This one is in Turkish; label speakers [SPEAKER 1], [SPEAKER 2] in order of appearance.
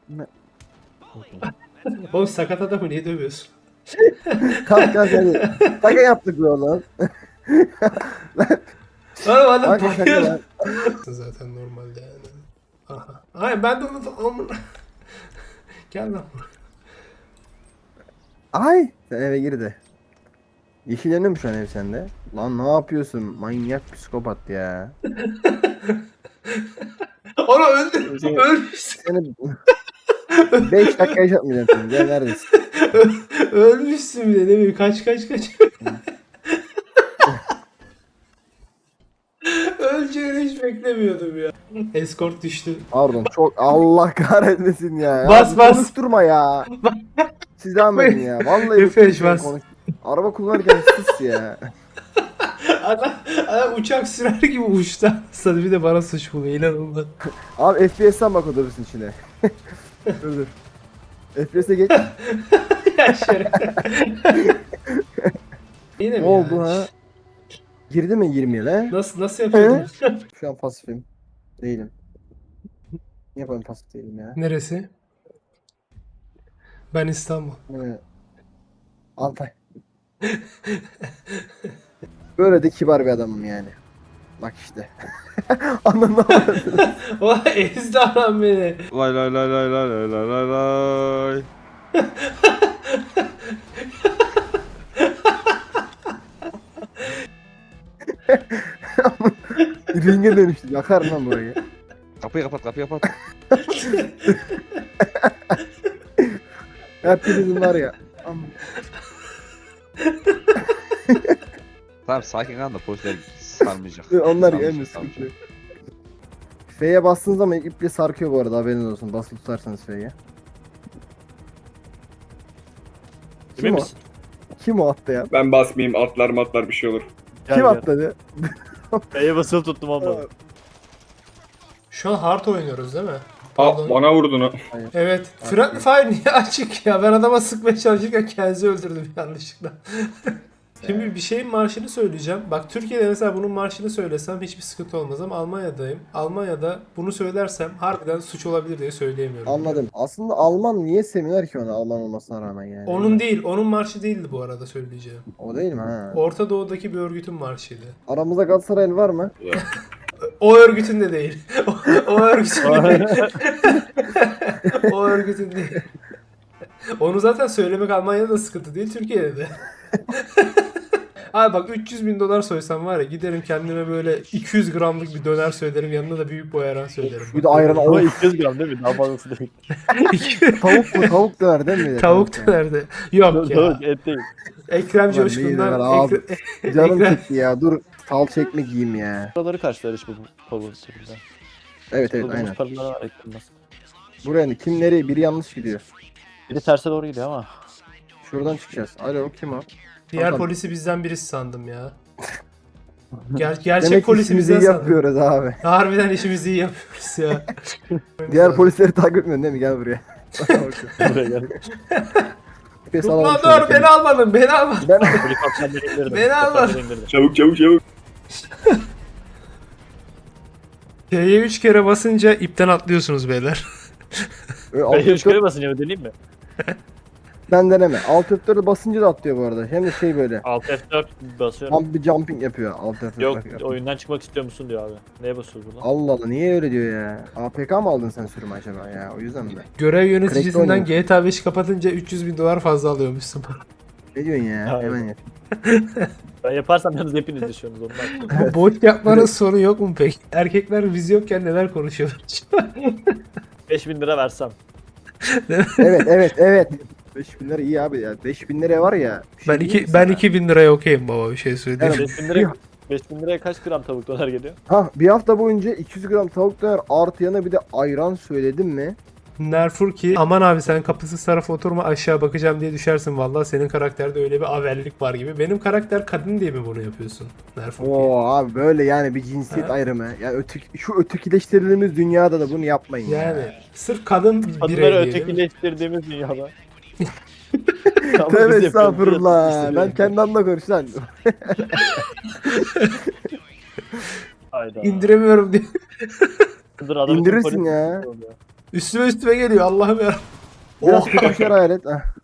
[SPEAKER 1] Ne?
[SPEAKER 2] Oğlum sakat adamı niye dövüyorsun?
[SPEAKER 1] Kalk kalk hadi. Şaka yaptık be oğlum.
[SPEAKER 2] Oğlum adam
[SPEAKER 1] Kanka şaka
[SPEAKER 2] bayıldı.
[SPEAKER 1] lan.
[SPEAKER 2] Zaten normalde yani. Aha. Hayır ben de onu... Gel lan buraya.
[SPEAKER 1] Ay. Sen eve gir de. Yeşilleniyor mu şu an ev sende? Lan ne yapıyorsun? Manyak psikopat ya.
[SPEAKER 2] Onu öldür.
[SPEAKER 1] Seni,
[SPEAKER 2] Ölmüşsün.
[SPEAKER 1] seni 5 dakika yaşatmayacağım seni. Gel neredesin?
[SPEAKER 2] Ölmüşsün bile değil mi? Kaç kaç kaç. Öleceğini hiç beklemiyordum ya. Escort düştü.
[SPEAKER 1] Pardon çok Allah kahretmesin ya.
[SPEAKER 2] Bas,
[SPEAKER 1] Abi
[SPEAKER 2] bas.
[SPEAKER 1] konuşturma ya. Siz devam edin ya. Vallahi
[SPEAKER 2] F5
[SPEAKER 1] bıktım
[SPEAKER 2] bas.
[SPEAKER 1] konuş. Araba kullanırken sus ya.
[SPEAKER 2] Adam, adam uçak sürer gibi uçtu. Sana bir de bana suç buluyor. İnanılmaz.
[SPEAKER 1] Abi FPS'ten bak otobüsün içine. Dur dur. FPS'e geç.
[SPEAKER 2] Ya şeref. Yine
[SPEAKER 1] Ne
[SPEAKER 2] mi
[SPEAKER 1] oldu
[SPEAKER 2] ya?
[SPEAKER 1] ha? Girdi mi 20 lan?
[SPEAKER 2] Nasıl yapıyordun?
[SPEAKER 1] Şu an pasifim. Değilim. Niye yapalım pasif değilim ya?
[SPEAKER 2] Neresi? Ben İstanbul.
[SPEAKER 1] Altay. Böyle de kibar bir adamım yani. Bak işte. Anlamadım.
[SPEAKER 2] O ezdi adam beni.
[SPEAKER 3] Lay lay lay lay lay lay lay lay lay.
[SPEAKER 1] Ringe dönüştü. Yakar lan burayı.
[SPEAKER 3] Kapıyı kapat, kapıyı kapat.
[SPEAKER 1] Hepinizin var ya.
[SPEAKER 3] Tamam sakin kal da polisler sarmayacak.
[SPEAKER 1] Onlar
[SPEAKER 3] Sarmayacak,
[SPEAKER 1] gelmiyor sıkıntı
[SPEAKER 3] sarmayacak.
[SPEAKER 1] yok. F'ye bastığınız zaman iple sarkıyor bu arada haberiniz olsun. Basılı tutarsanız F'ye. Kim
[SPEAKER 4] Emin
[SPEAKER 1] o?
[SPEAKER 4] misin?
[SPEAKER 1] Kim o attı ya?
[SPEAKER 5] Ben basmayayım, atlar matlar bir şey olur.
[SPEAKER 1] Kim atladı?
[SPEAKER 4] B'ye basılı tuttum olmadı.
[SPEAKER 2] Şu an hard oynuyoruz değil mi?
[SPEAKER 5] Aa,
[SPEAKER 2] Pardon.
[SPEAKER 5] bana vurdun ha.
[SPEAKER 2] Evet. Friendly Fire niye açık ya? Ben adama sıkmaya çalışırken kendisi öldürdüm yanlışlıkla. Şimdi bir şeyin marşını söyleyeceğim. Bak Türkiye'de mesela bunun marşını söylesem hiçbir sıkıntı olmaz ama Almanya'dayım. Almanya'da bunu söylersem harbiden suç olabilir diye söyleyemiyorum.
[SPEAKER 1] Anladım. Aslında Alman niye sevmiyorlar ki onu Alman olmasına rağmen yani?
[SPEAKER 2] Onun değil, onun marşı değildi bu arada söyleyeceğim.
[SPEAKER 1] O değil mi ha?
[SPEAKER 2] Orta Doğu'daki bir örgütün marşıydı.
[SPEAKER 1] Aramızda Galatasaraylı var mı?
[SPEAKER 2] O örgütün de değil. O örgütün de değil. O örgütün değil. Onu zaten söylemek Almanya'da da sıkıntı değil, Türkiye'de de. Abi bak 300.000 dolar soysam var ya giderim kendime böyle 200 gramlık bir döner söylerim yanına da büyük boy ayran söylerim.
[SPEAKER 1] Bir de ayran
[SPEAKER 4] Ama
[SPEAKER 1] al.
[SPEAKER 4] 200 gram değil mi? Daha fazlası değil.
[SPEAKER 1] Tavuk mu? Tavuk döner değil mi?
[SPEAKER 2] Tavuk dönerdi. Yok ya.
[SPEAKER 4] Tavuk et değil.
[SPEAKER 2] Ekrem
[SPEAKER 1] Ulan
[SPEAKER 2] Coşkun'dan
[SPEAKER 1] neyi abi? Canım
[SPEAKER 2] Ekrem-
[SPEAKER 1] çekti ya. Dur salça ekmek yiyeyim ya.
[SPEAKER 4] Buraları karşılar hiç bizim kolu şekilde.
[SPEAKER 1] Evet evet
[SPEAKER 4] Bulduğumuz
[SPEAKER 1] aynen.
[SPEAKER 4] paraları var eklenmez.
[SPEAKER 1] Buraya ne? Kim nereye? Biri yanlış gidiyor.
[SPEAKER 4] Biri terse doğru gidiyor ama.
[SPEAKER 1] Şuradan çıkacağız. Alo kim o?
[SPEAKER 2] Diğer
[SPEAKER 1] Bakalım.
[SPEAKER 2] polisi bizden birisi sandım ya. Gerçek
[SPEAKER 1] Demek ki
[SPEAKER 2] polisi
[SPEAKER 1] işimizi
[SPEAKER 2] bizden
[SPEAKER 1] iyi
[SPEAKER 2] sandım.
[SPEAKER 1] yapıyoruz abi.
[SPEAKER 2] Harbiden işimizi iyi yapıyoruz ya.
[SPEAKER 1] Diğer polisleri takip etmiyorsun değil mi? Gel buraya.
[SPEAKER 4] Buraya gel.
[SPEAKER 1] Pes
[SPEAKER 2] Tutma
[SPEAKER 1] alalım
[SPEAKER 2] dur
[SPEAKER 1] şöyle
[SPEAKER 2] beni almadın beni almadın.
[SPEAKER 1] Ben
[SPEAKER 4] Helikopterleri indirdim.
[SPEAKER 2] Beni alma.
[SPEAKER 4] Helikopterleri indirdim.
[SPEAKER 5] Çabuk çabuk çabuk.
[SPEAKER 2] T'ye 3 kere basınca ipten atlıyorsunuz beyler.
[SPEAKER 4] Ben 3 kere basınca mı deneyeyim mi?
[SPEAKER 1] Ben deneme. Alt F4'e basınca da atlıyor bu arada. Hem de şey böyle.
[SPEAKER 4] Alt F4 basıyorum.
[SPEAKER 1] Tam bir jumping yapıyor alt F4.
[SPEAKER 4] Yok
[SPEAKER 1] bak.
[SPEAKER 4] oyundan çıkmak istiyor musun diyor abi. Neye basıyoruz burada?
[SPEAKER 1] Allah Allah niye öyle diyor ya? APK mı aldın sen sürümü acaba ya? O yüzden mi?
[SPEAKER 2] Görev yöneticisinden
[SPEAKER 1] oynuyor.
[SPEAKER 2] GTA 5'i kapatınca 300.000 dolar fazla alıyormuşsun.
[SPEAKER 1] Ne diyorsun ya?
[SPEAKER 4] Hayır.
[SPEAKER 1] Hemen yap.
[SPEAKER 4] Ben yaparsam yalnız hepiniz düşüyorsunuz ondan.
[SPEAKER 2] Bu boş yapmanın sonu yok mu peki? Erkekler biz yokken neler konuşuyorlar?
[SPEAKER 4] 5000 lira versem.
[SPEAKER 1] Evet evet evet. 5000 lira iyi abi ya. 5000 liraya var ya. bir şey
[SPEAKER 2] Ben
[SPEAKER 1] diyeyim mi
[SPEAKER 2] ben
[SPEAKER 1] sana?
[SPEAKER 2] 2000 liraya okeyim baba bir şey söyleyeyim.
[SPEAKER 1] Evet.
[SPEAKER 4] 5000 lira 5000 liraya kaç gram tavuk döner geliyor?
[SPEAKER 1] Ha bir hafta boyunca 200 gram tavuk döner artı yanına bir de ayran söyledim mi?
[SPEAKER 2] Nerfur ki aman abi sen kapısız tarafa oturma aşağı bakacağım diye düşersin vallahi senin karakterde öyle bir avellik var gibi. Benim karakter kadın diye mi bunu yapıyorsun? Nerfur ki.
[SPEAKER 1] Oo abi böyle yani bir cinsiyet
[SPEAKER 2] Ha?
[SPEAKER 1] ayrımı. Yani şu ötekileştirildiğimiz dünyada da bunu yapmayın
[SPEAKER 2] Yani
[SPEAKER 1] ya.
[SPEAKER 2] sırf kadın
[SPEAKER 4] Kadınları
[SPEAKER 2] birey diyelim.
[SPEAKER 4] ötekileştirdiğimiz dünyada. Ama biz
[SPEAKER 1] Tövbe
[SPEAKER 4] yapıyoruz,
[SPEAKER 1] estağfurullah.
[SPEAKER 4] biz
[SPEAKER 1] Ben kendi adımla konuş lan.
[SPEAKER 4] Hayda.
[SPEAKER 2] İndiremiyorum diye.
[SPEAKER 4] Dur, adam
[SPEAKER 1] İndirirsin
[SPEAKER 4] polis-
[SPEAKER 1] ya.
[SPEAKER 2] Üstüme geliyor Allah'ım ya.
[SPEAKER 1] Biraz
[SPEAKER 2] Oh.
[SPEAKER 1] kötü bir şey hayal et. Ah.